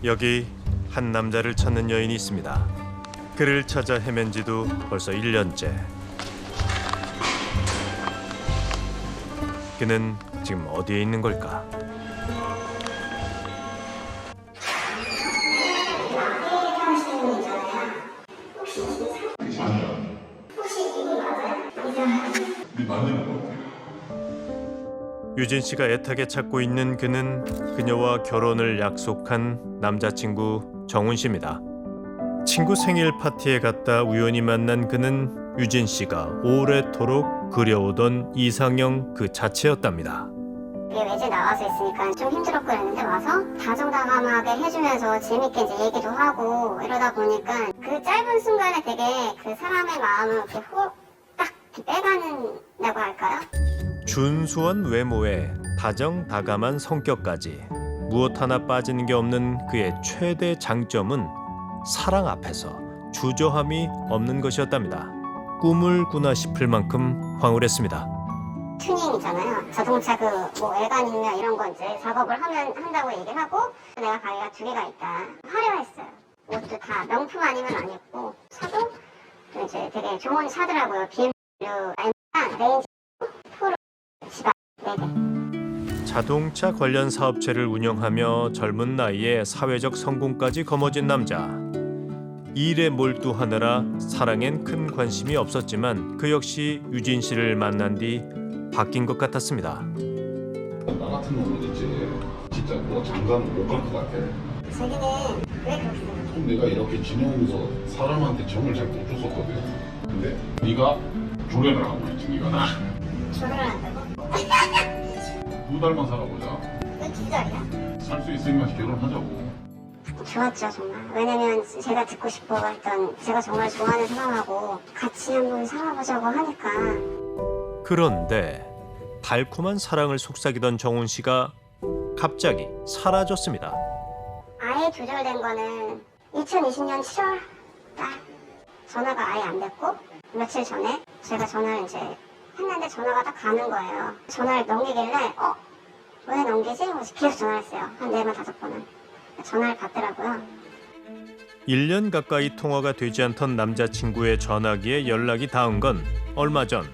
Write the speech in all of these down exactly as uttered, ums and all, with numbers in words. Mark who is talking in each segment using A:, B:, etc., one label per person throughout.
A: 여기 한 남자를 찾는 여인이 있습니다. 그를 찾아 헤맨 지도 벌써 일 년째. 그는 지금 어디에 있는 걸까? 유진 씨가 애타게 찾고 있는 그는 그녀와 결혼을 약속한 남자친구 정훈 씨입니다. 친구 생일 파티에 갔다 우연히 만난 그는 유진 씨가 오래도록 그려오던 이상형 그 자체였답니다.
B: 이게 외제 나와서 있으니까 좀 힘들었고 그랬는데 와서 다정다감하게 해주면서 재밌게 이제 얘기도 하고 이러다 보니까 그 짧은 순간에 되게 그 사람의 마음을 이렇게 홀딱 빼가는다고 할까요?
A: 준수한 외모에 다정다감한 성격까지 무엇 하나 빠지는 게 없는 그의 최대 장점은 사랑 앞에서 주저함이 없는 것이었답니다. 꿈을 꾸나 싶을 만큼 황홀했습니다.
B: 튜닝이잖아요. 자동차 그 뭐 외관이나 이런 거 이제 작업을 하면 한다고 얘기를 하고 내가 가게가 두 개가 있다. 화려했어요. 옷도 다 명품 아니면 안 입고 차도 이제 되게 좋은 차더라고요. 비엠더블유, 엠, 레인지, 프로, 지바 네 개.
A: 자동차 관련 사업체를 운영하며 젊은 나이에 사회적 성공까지 거머쥔 남자. 일에 몰두하느라 사랑엔 큰 관심이 없었지만 그 역시 유진 씨를 만난 뒤 바뀐 것 같았습니다.
C: 나 같은 놈은 있지 진짜 뭐 장관 못 갈 것 같아.
B: 자기는 왜 그렇게 생각해?
C: 내가 이렇게 지내면서 사람한테 정을 잘 못 줬었거든. 근데 네가 조련을 하고 있지. 네가 나
B: 결혼을 한다고?
C: 두 달만 살아보자.
B: 왜 두 달이야?
C: 살 수 있으면 결혼하자고.
B: 좋았죠 정말. 왜냐면 제가 듣고 싶어 했던 제가 정말 좋아하는 사람하고 같이 한번 살아보자고 하니까.
A: 그런데 달콤한 사랑을 속삭이던 정훈 씨가 갑자기 사라졌습니다.
B: 아예 조절된 거는 이천이십 년 칠월 달 전화가 아예 안 됐고 며칠 전에 제가 전화를 이제 했는데 전화가 딱 가는 거예요. 전화를 넘기길래 어? 왜 넘기지? 그래서 계속 전화를 했어요. 한 네 번 다섯 번은. 전화를 받더라고요.
A: 일 년 가까이 통화가 되지 않던 남자친구의 전화기에 연락이 닿은 건 얼마 전.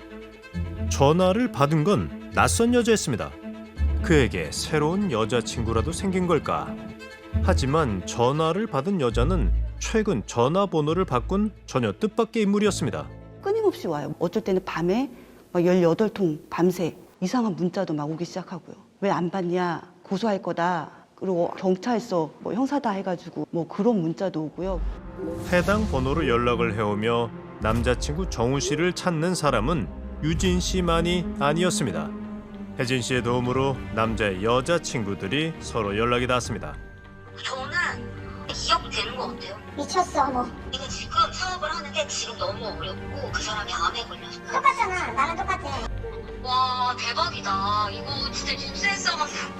A: 전화를 받은 건 낯선 여자였습니다. 그에게 새로운 여자친구라도 생긴 걸까? 하지만 전화를 받은 여자는 최근 전화번호를 바꾼 전혀 뜻밖의 인물이었습니다.
D: 끊임없이 와요. 어쩔 때는 밤에 막 열여덟 통 밤새 이상한 문자도 막 오기 시작하고요. 왜 안 받냐? 고소할 거다. 그리고 경찰서 뭐 형사다 해가지고 뭐 그런 문자도 오고요.
A: 해당 번호로 연락을 해오며 남자친구 정훈 씨를 찾는 사람은 유진 씨만이 아니었습니다. 혜진 씨의 도움으로 남자의 여자친구들이 서로 연락이 닿았습니다.
E: 저는 이억 되는 것 같아요.
B: 미쳤어 뭐.
E: 이거 지금 사업을 하는데 지금 너무 어렵고 그 사람이 암에 걸렸어요.
B: 똑같잖아. 나랑 똑같아.
E: 와 대박이다. 이거 진짜 뉴스에서가지고.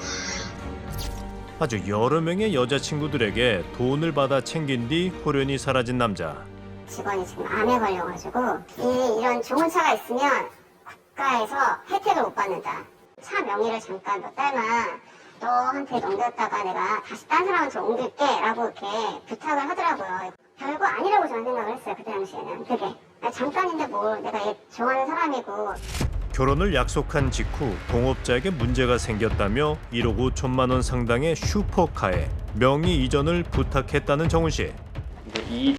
A: 아주 여러 명의 여자친구들에게 돈을 받아 챙긴 뒤 호련히 사라진 남자.
B: 직원이 지금 암에 걸려가지고 이, 이런 좋은 차가 있으면 국가에서 혜택을 못 받는다. 차 명의를 잠깐 몇 달만 너한테 넘겼다가 내가 다시 딴 사람한테 옮길게 라고 이렇게 부탁을 하더라고요. 별거 아니라고 저는 생각을 했어요. 그때 당시에는. 그게 아니, 잠깐인데 뭘 내가 얘 좋아하는 사람이고.
A: 결혼을 약속한 직후 동업자에게 문제가 생겼다며 일억 오천만 원 상당의 슈퍼카에 명의 이전을 부탁했다는 정훈 씨.
F: 이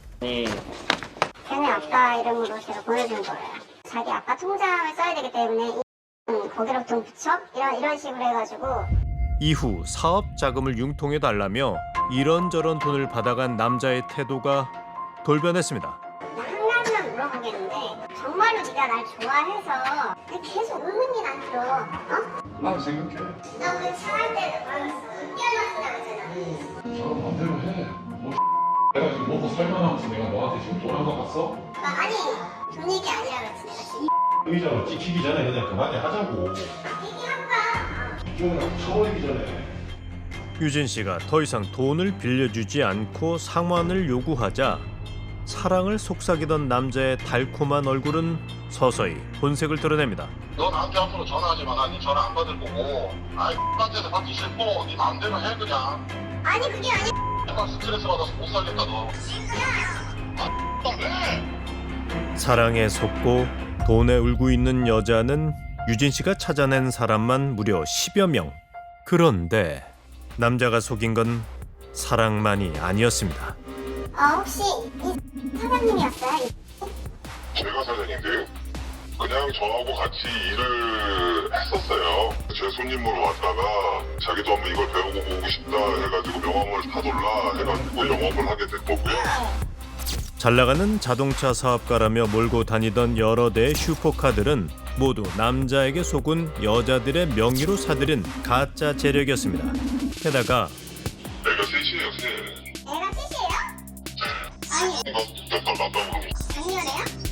B: 걔네 아빠 이름으로 제가 보내준 거예요. 자기 아빠 통장을 써야 되기 때문에 이 거기로 돈 붙여? 이런, 이런 식으로 해가지고.
A: 이후 사업 자금을 융통해 달라며 이런저런 돈을 받아간 남자의 태도가 돌변했습니다.
B: 한 가지만 물어보겠는데 정말로 네가 날 좋아해서 계속 의문이 안 들어. 어?
C: 난 생각해.
B: 너 그 차할 때 뛰어났다고 했잖아.
C: 저 마음대로 해. 뭐 내가 지금 먹고 살만하면서 내가 너한테 지금 돈 한 번 갔어?
B: 아니 돈 얘기 아니라 그랬지 내가.
C: 의자로 찍히기 전에 그냥 그만해 하자고.
B: 얘기한다.
C: 이쪽이랑 쳐버리기 전에.
A: 유진 씨가 더 이상 돈을 빌려주지 않고 상환을 요구하자 사랑을 속삭이던 남자의 달콤한 얼굴은 서서히 본색을 드러냅니다.
C: 너 나한테 앞으로 전화하지 마. 난 네 전화 안 받을 거고. 아이 X한테서 받기 싫고 네 마음대로 해 그냥.
B: 아니 그게 아니.
C: 내가 스트레스 받아서 못 살겠다 너. 아 왜?
A: 사랑에 속고 돈에 울고 있는 여자는 유진 씨가 찾아낸 사람만 무려 십여 명. 그런데 남자가 속인 건 사랑만이 아니었습니다.
B: 어 혹시 이 사장님이었어요?
C: 제가 사장인데요. 그냥 저하고 같이 일을 했었어요. 제 손님으로 왔다가 자기도 한번 이걸 배우고 보고 싶다 해가지고 명함을 사돌라 해가지고 영업을 하게 된 거고요.
A: 잘 나가는 자동차 사업가라며 몰고 다니던 여러 대의 슈퍼카들은 모두 남자에게 속은 여자들의 명의로 사들인 가짜 재력이었습니다. 게다가
C: 내가 셋이에요 셋.
B: 애가 셋이에요? 아니
C: 몇달 남자고
B: 작년에요?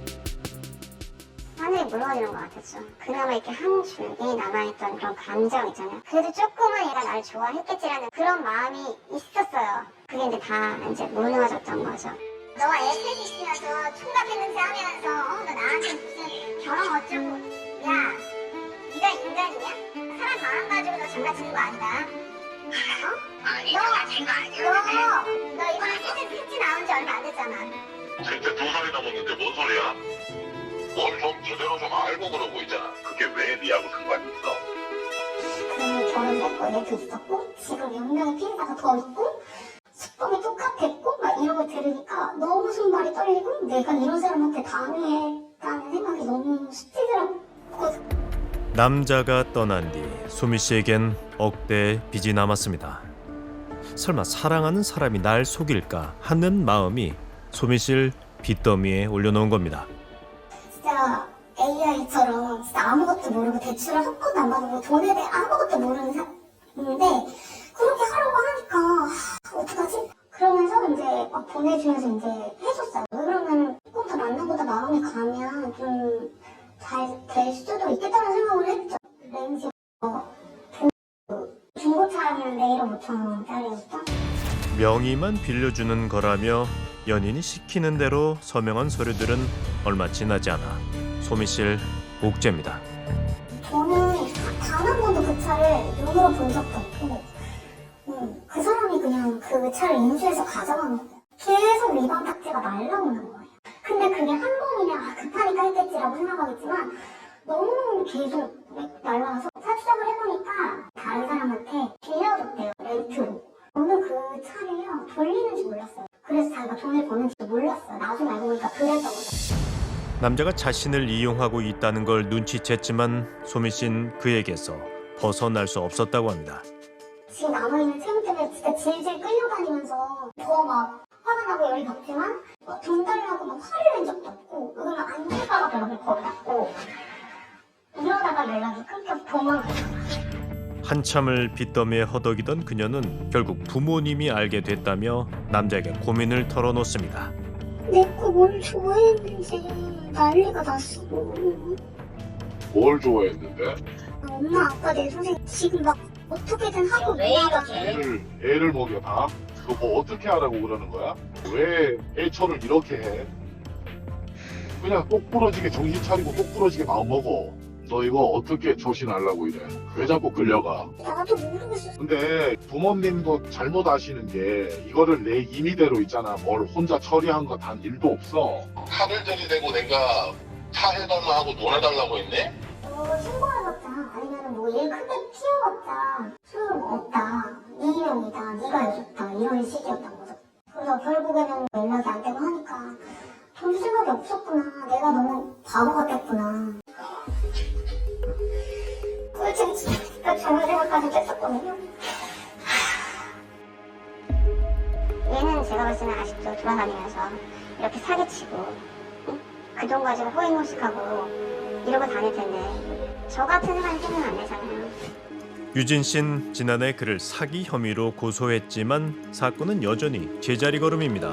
B: 하늘이 무너지는 것 같았죠. 그나마 이렇게 한 줄기 남아있던 그런 감정 있잖아요. 그래도 조금은 얘가 나를 좋아했겠지라는 그런 마음이 있었어요. 그게 이제 다 이제 무너졌던 거죠. 너가 애 셋이 있으면서 총각했는지 하면서 어, 너 나한테 무슨 결혼 어쩌고 야 네가 인간이냐? 사람 마음 가지고 너 장난치는 거 아니다. 어?
E: 아니
B: 너,
E: 장난친 거
B: 너,
E: 아니었는데.
B: 너 이번에 셋째 셋째 나온 지 얼마 안 됐잖아.
C: 셋째 두 살이 남았는데 뭔 소리야? 뭘 좀 제대로 좀 알고 그러고 있잖아. 그게 왜 니하고 상관이 있어?
B: 그 결혼했고 애도 있었고 지금 육 명의 피해자가 더 있고 수법이 똑같았고 막 이런 거 들으니까 너무 손발이 떨리고 내가 이런 사람한테 당했다는 생각이 너무 스치더라고.
A: 남자가 떠난 뒤 소미 씨에겐 억대의 빚이 남았습니다. 설마 사랑하는 사람이 날 속일까 하는 마음이 소미 씨를 빚더미에 올려놓은 겁니다.
B: 진짜 에이아이처럼 진짜 아무것도 모르고 대출을 한 번도 안 받고 돈에 대해 아무것도 모르는 사람인데 그렇게 하라고 하니까 하, 어떡하지? 그러면서 이제 막 보내주면서 이제 해줬어요. 왜 그러면 조금 더 만나보다 마음이 가면 좀 잘 될 수도 있겠다는 생각을 했죠. 렌즈 어, 중고차는 내일은 오천 원짜리였죠.
A: 명의만 빌려주는 거라며 연인이 시키는 대로 서명한 서류들은 얼마 지나지 않아 소미 씨를 옥죄입니다.
B: 저는 단 한 번도 그 차를 눈으로 본 적도 없고 음, 그 사람이 그냥 그 차를 인수해서 가져간 거예요. 계속 위반 딱지가 날라오는 거예요. 근데 그게 한 번이면 아, 급하니까 했겠지라고 생각하겠지만 너무 계속 날라와서 차추적을 해보니까 다른 사람한테 빌려줬대요. 렌트로. 저는 그 차를요 돌리는지 몰랐어요. 그래서 자기가 돈을 버는지도 몰랐어요. 나중에 알고 보니까 그랬던 거죠.
A: 남자가 자신을 이용하고 있다는 걸 눈치챘지만 소미 씨는 그에게서 벗어날 수 없었다고 합니다.
B: 지금 남아있는 채무 때문에 진짜 질질 끌려다니면서 더 막 화가 나고 열이 받지만 뭐 돈 달라고 막 화를 낸 적도 없고 그러면 안 될까봐 연락을 걸었고 이러다가 연락이 끊겨서 도망갔어요.
A: 한참을 빚더미에 허덕이던 그녀는 결국 부모님이 알게 됐다며 남자에게 고민을 털어놓습니다.
B: 내가 뭘 좋아했는지 난리가 났어.
C: 뭘 좋아했는데?
B: 엄마 아빠 내 선생 지금 막 어떻게든 하고 뭐하다.
F: 애를 애를 먹여봐. 너 뭐 어떻게 하라고 그러는 거야? 왜 애처를 이렇게 해? 그냥 똑부러지게 정신 차리고 똑부러지게 마음 먹어. 너 이거 어떻게 조신하려고 이래? 왜 자꾸 끌려가?
B: 나도 모르겠어.
F: 근데 부모님도 잘못 아시는 게 이거를 내 임의대로 있잖아. 뭘 혼자 처리한 거 단 일도 없어.
C: 칼을 들이대고 내가 차 해달라 하고 돈 해달라고 했네?
B: 너 신고해봤자 아니면 뭐 일 크게 피워봤자 소용없다. 네 일용이다. 네가 해줬다. 이런 식이었던 거죠. 그래서 결국에는 연락이 안 되고 하니까 돈 생각이 없었구나. 내가 너무 바보 같았구나. 꿀잼 진짜 좋은 생각까지 했었거든요. 얘는 제가 봤을 때는 아직도 돌아다니면서 이렇게 사기치고 응? 그 돈 가지고 호의호식하고 이러고 다닐 텐데 저 같은 사람이 생각 안 되잖아요.
A: 유진 씨는 지난해 그를 사기 혐의로 고소했지만 사건은 여전히 제자리 걸음입니다.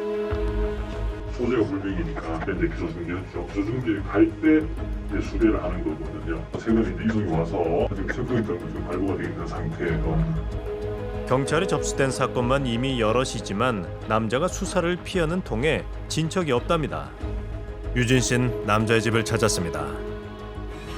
G: 소재가 불명이니까 이제 기소승계였죠. 기소승계 갈 때 이제 수배를 하는 거거든요. 최근에 이제 이송이 와서 지금 석경이 지금 발부가 되어 있는 상태예요.
A: 경찰에 접수된 사건만 이미 여럿이지만 남자가 수사를 피하는 통에 진척이 없답니다. 유진 씨는 남자의 집을 찾았습니다.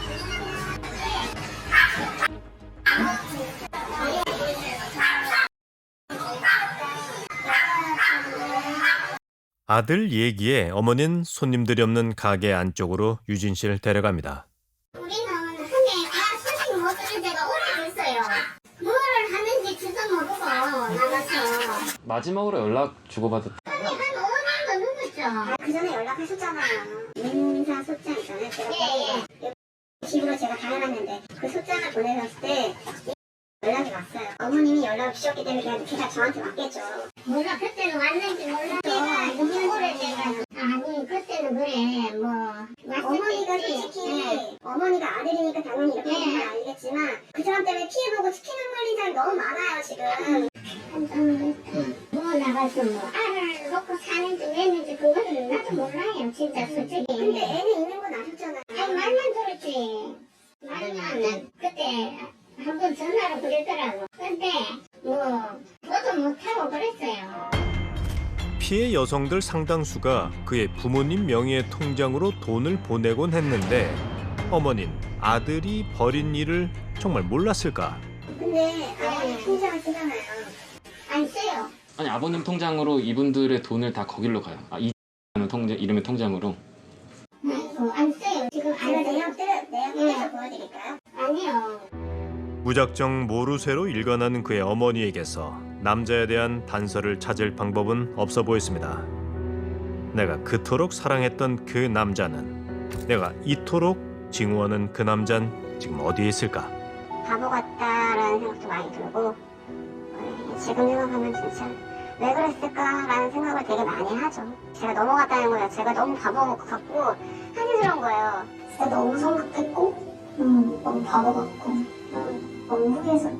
A: 아들 얘기에 어머니는 손님들이 없는 가게 안쪽으로 유진 씨를 데려갑니다.
B: 우리는 흔히 아 손님 못 쓰는 데가 오래됐어요. 뭘 하는지 지도 모르고 나가서
H: 마지막으로 연락 주고받았.
B: 한 오 년도 넘었죠. 그 전에 연락하셨잖아요. 민사 소장 있잖아요. 제가 예, 예. 집으로 제가 다녀갔는데 그 소장을 보내셨을 때 연락이 왔어요. 어머님이 연락을 주셨기 때문에 그냥 제가 저한테 왔겠죠. 몰라 그때는 왔는지 몰라도 너무 오래돼가 아니 그때는 그래 뭐 어머니가 솔직히 네. 어머니가 아들이니까 당연히 이렇게 하는 건 알겠지만 그 사람 때문에 피해보고 치킨 걸린 사람이 너무 많아요 지금. 뭐 나가서 뭐 알을 놓고 사는지 왜는지 그거는 나도 몰라요 진짜 솔직히. 근데 애는 있는 건 아셨잖아요. 아니 말만 들었지. 말만 그때 한 번 전화로 그랬더라고. 근데 뭐 저도 못하고 그랬어요.
A: 피해 여성들 상당수가 그의 부모님 명의의 통장으로 돈을 보내곤 했는데 어머닌 아들이 벌인 일을 정말 몰랐을까?
B: 근데 아버님 통장을 쓰잖아요. 안 써요.
H: 아니 아버님 통장으로 이분들의 돈을 다 거길로 가요. 아, 이 통장 이름의 통장으로.
B: 아이고 안 써요. 지금 제가 내역 떼 내역 떼서 보여드릴까요? 아니요.
A: 무작정 모르쇠로 일관하는 그의 어머니에게서 남자에 대한 단서를 찾을 방법은 없어 보였습니다. 내가 그토록 사랑했던 그 남자는, 내가 이토록 증오하는 그 남자는 지금 어디에 있을까?
B: 바보 같다라는 생각도 많이 들고 네, 지금 생각하면 진짜 왜 그랬을까라는 생각을 되게 많이 하죠. 제가 넘어갔다는 거예요. 제가 너무 바보 같고 한심스러운 거예요. 진짜 너무 성급했고 음, 너무 바보 같고 음, 너무 후회해서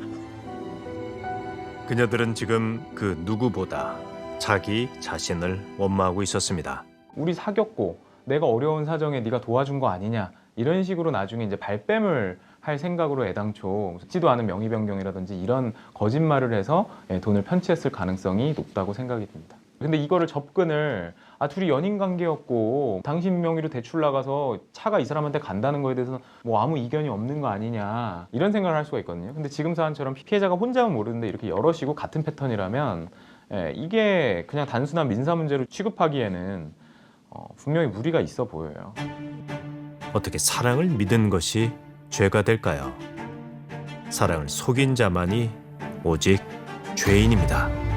A: 그녀들은 지금 그 누구보다 자기 자신을 원망하고 있었습니다.
I: 우리 사귀었고 내가 어려운 사정에 네가 도와준 거 아니냐 이런 식으로 나중에 이제 발뺌을 할 생각으로 애당초 듣지도 않은 명의 변경이라든지 이런 거짓말을 해서 돈을 편취했을 가능성이 높다고 생각이 듭니다. 근데 이거를 접근을 아 둘이 연인 관계였고 당신 명의로 대출 나가서 차가 이 사람한테 간다는 거에 대해서 뭐 아무 이견이 없는 거 아니냐 이런 생각을 할 수가 있거든요. 근데 지금 사안처럼 피해자가 혼자만 모르는데 이렇게 여럿이고 같은 패턴이라면 예, 이게 그냥 단순한 민사 문제로 취급하기에는 어, 분명히 무리가 있어 보여요.
A: 어떻게 사랑을 믿은 것이 죄가 될까요? 사랑을 속인 자만이 오직 죄인입니다.